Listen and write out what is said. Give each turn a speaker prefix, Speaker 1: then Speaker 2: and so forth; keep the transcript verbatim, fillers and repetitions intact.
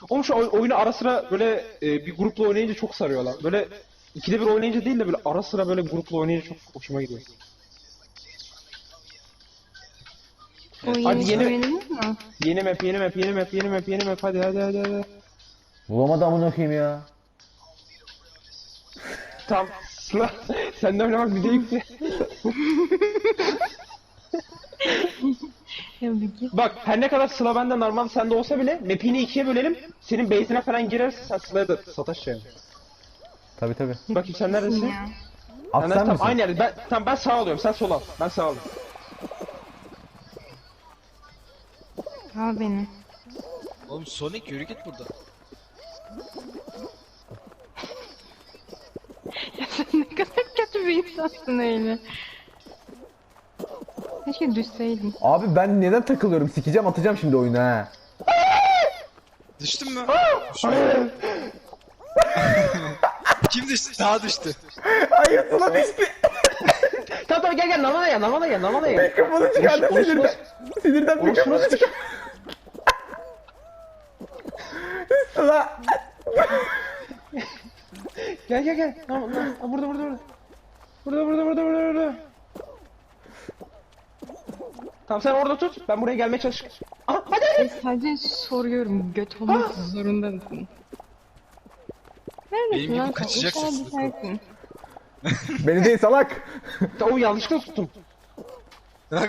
Speaker 1: Oğlum şu oy- oyunu ara sıra böyle e, bir grupla oynayınca çok sarıyor lan. Böyle ikide bir oynayınca değil de böyle ara sıra böyle grupla oynayınca çok hoşuma gidiyor.
Speaker 2: O
Speaker 1: Hadi
Speaker 2: yeni
Speaker 1: yeni-
Speaker 2: oynadınız mı?
Speaker 1: Yeni map, yeni map, yeni map, yeni map, yeni map. Hadi hadi hadi hadi.
Speaker 3: Bulamadı amına koyayım ya.
Speaker 1: Tamam. Sıla sen de oynamak bize yükle.
Speaker 2: Ya bir git.
Speaker 1: Bak her ne kadar Sıla bende normal sende olsa bile map'ini ikiye bölelim. Senin base'ine falan girerse sen Sıla'ya da sataş yani.
Speaker 3: Tabi tabi.
Speaker 1: Bakayım sen neredesin?
Speaker 2: Ya.
Speaker 3: At
Speaker 1: Sen
Speaker 3: sen
Speaker 1: tam
Speaker 3: misin?
Speaker 1: aynı yerde. Ben tamam ben sağ alıyorum. Sen sol al. Ben sağ alayım.
Speaker 2: Al beni.
Speaker 4: Oğlum Sonic yürü git buradan.
Speaker 2: Ya sen ne kadar kötü bir insansın öyle. Keşke düşseydin.
Speaker 3: Abi ben neden takılıyorum? Sikeceğim atacağım şimdi oyunu ha.
Speaker 4: Düştün mü? Kim düştü? Daha düştü.
Speaker 3: Hayır Sıla düştü.
Speaker 1: Tamam tamam gel gel normala gel normala gel normala gel.
Speaker 3: Mikrofonu çıkardı
Speaker 1: Orası-
Speaker 3: sinirden. Sinirden
Speaker 1: Orası
Speaker 3: mikrofonu
Speaker 1: nasıl?
Speaker 3: çıkardı. Sıla.
Speaker 1: Gel gel gel. Tamam tamam. Aa, burada burada burada. Burada burada burada burada burada. Tamam sen orada tut. Ben buraya gelmeye çalış. Aha hadi hadi.
Speaker 2: Sadece soruyorum. Göt olmak zorunda mısın? Neredesin
Speaker 4: Benim
Speaker 2: lan
Speaker 4: gibi
Speaker 2: sen?
Speaker 4: kaçacaksın
Speaker 2: İnşallah
Speaker 4: Sıla.
Speaker 2: düşersin.
Speaker 3: Beni değil salak.
Speaker 1: O yanlışlıkla tuttum.